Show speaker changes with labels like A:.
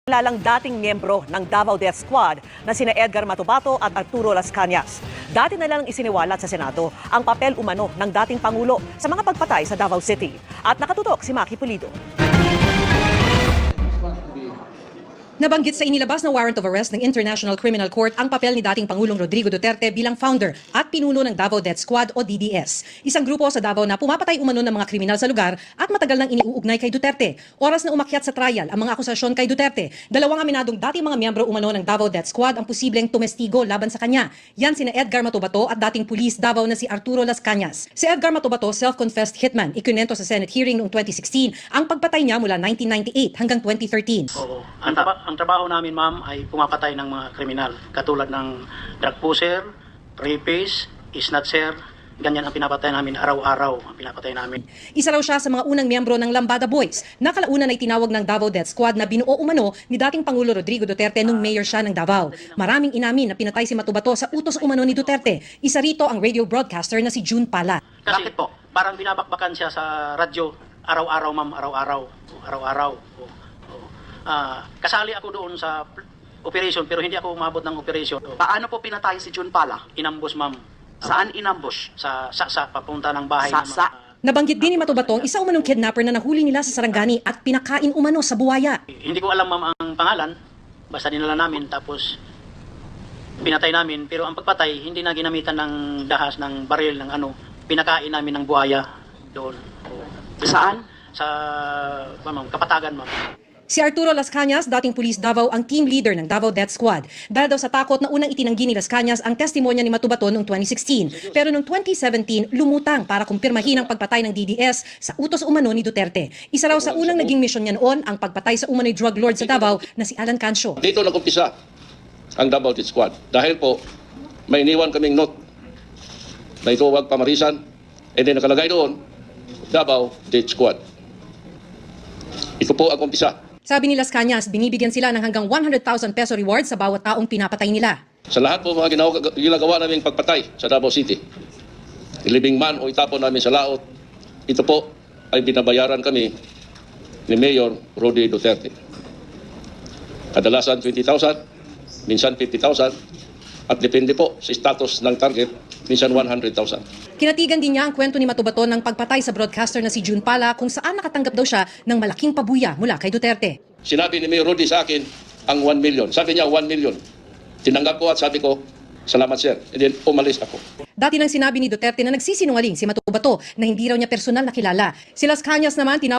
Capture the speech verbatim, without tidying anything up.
A: Kilalang dating miyembro ng Davao Death Squad na sina Edgar Matubato at Arturo Las Cañas. Dati na lang isiniwalat sa Senado ang papel umano ng dating Pangulo sa mga pagpatay sa Davao City. At nakatutok si Maki Pulido.
B: Nabanggit sa inilabas na warrant of arrest ng International Criminal Court ang papel ni dating Pangulong Rodrigo Duterte bilang founder at pinuno ng Davao Death Squad o D D S. Isang grupo sa Davao na pumapatay umano ng mga kriminal sa lugar at matagal nang iniuugnay kay Duterte. Oras na umakyat sa trial ang mga akusasyon kay Duterte. Dalawang aminadong dating mga miyembro umano ng Davao Death Squad ang posibleng tumestigo laban sa kanya. Yan sina Edgar Matubato at dating pulis Davao na si Arturo Las Cañas. Si Edgar Matubato, self-confessed hitman, ikinento sa Senate hearing noong twenty sixteen ang pagpatay niya mula nineteen ninety-eight hanggang twenty thirteen.
C: Oo. Ang, traba- ang trabaho namin, ma'am, ay pumapatay ng mga kriminal. Katulad ng drug pusher, rapist, snatcher, ganyan ang pinapatay namin araw-araw. Ang pinapatay namin.
B: Isa raw siya sa mga unang miyembro ng Lambada Boys na kalaunan ay tinawag ng Davao Death Squad na binuo umano ni dating Pangulo Rodrigo Duterte nung mayor siya ng Davao. Maraming inamin na pinatay si Matubato sa utos umano ni Duterte. Isa rito ang radio broadcaster na si June Pala.
C: Kasi Bakit po? Parang binabakbakan siya sa radyo araw-araw, ma'am, araw-araw. Araw-araw. Oo. Ah, kasali ako doon sa operation pero hindi ako umabot ng operation.
D: Paano po pinatay si June Pala?
C: Inambush, ma'am.
D: Saan inambush?
C: Sa saksa papunta ng bahay ng
D: Saksa?
C: mga-
B: Nabanggit din ni Matubato ang isa umanong kidnapper na nahuli nila sa Sarangani at pinakain umano sa buwaya.
C: Hindi ko alam, ma'am, ang pangalan. Basta dinala namin tapos pinatay namin. Pero ang pagpatay, hindi na ginamitan ng dahas, ng baril, ng ano. Pinakain namin ng buhaya doon.
D: Saan?
C: Sa, ma'am, Kapatagan, ma'am.
B: Si Arturo Las Cañas, dating pulis Davao, ang team leader ng Davao Death Squad. Dahil daw sa takot na unang itinanggi ni Las Cañas ang testimonya ni Matubato noong twenty sixteen. Pero noong twenty seventeen, lumutang para kumpirmahin ang pagpatay ng D D S sa utos umano ni Duterte. Isa raw sa unang naging misyon niya noon ang pagpatay sa umano'y drug lord sa Davao na si Alan Cancio.
E: Dito nag-umpisa ang Davao Death Squad. Dahil po, may iniwan kaming note na ito huwag pamarisan. And then nakalagay doon, Davao Death Squad. Ito po ang umpisa.
B: Sabi ni Las Cañas, binibigyan sila ng hanggang one hundred thousand peso reward sa bawat taong pinapatay nila.
E: Sa lahat po mga ginawa, ginagawa naming pagpatay sa Davao City, ilibing man o itapon namin sa laot, ito po ay binabayaran kami ni Mayor Rody Duterte. Kadalasan twenty thousand, minsan fifty thousand, at depende po sa status ng target, minsan one hundred thousand.
B: Kinatigan din niya ang kwento ni Matubato ng pagpatay sa broadcaster na si June Pala kung saan nakatanggap daw siya ng malaking pabuya mula kay Duterte.
E: Sinabi ni Mayor Rody sa akin ang one million. Sabi niya one million. Tinanggap ko at sabi ko, salamat sir. And then umalis ako.
B: Dati nang sinabi ni Duterte na nagsisinungaling si Matubato na hindi raw niya personal na kilala. Si Las Cañas naman tinawag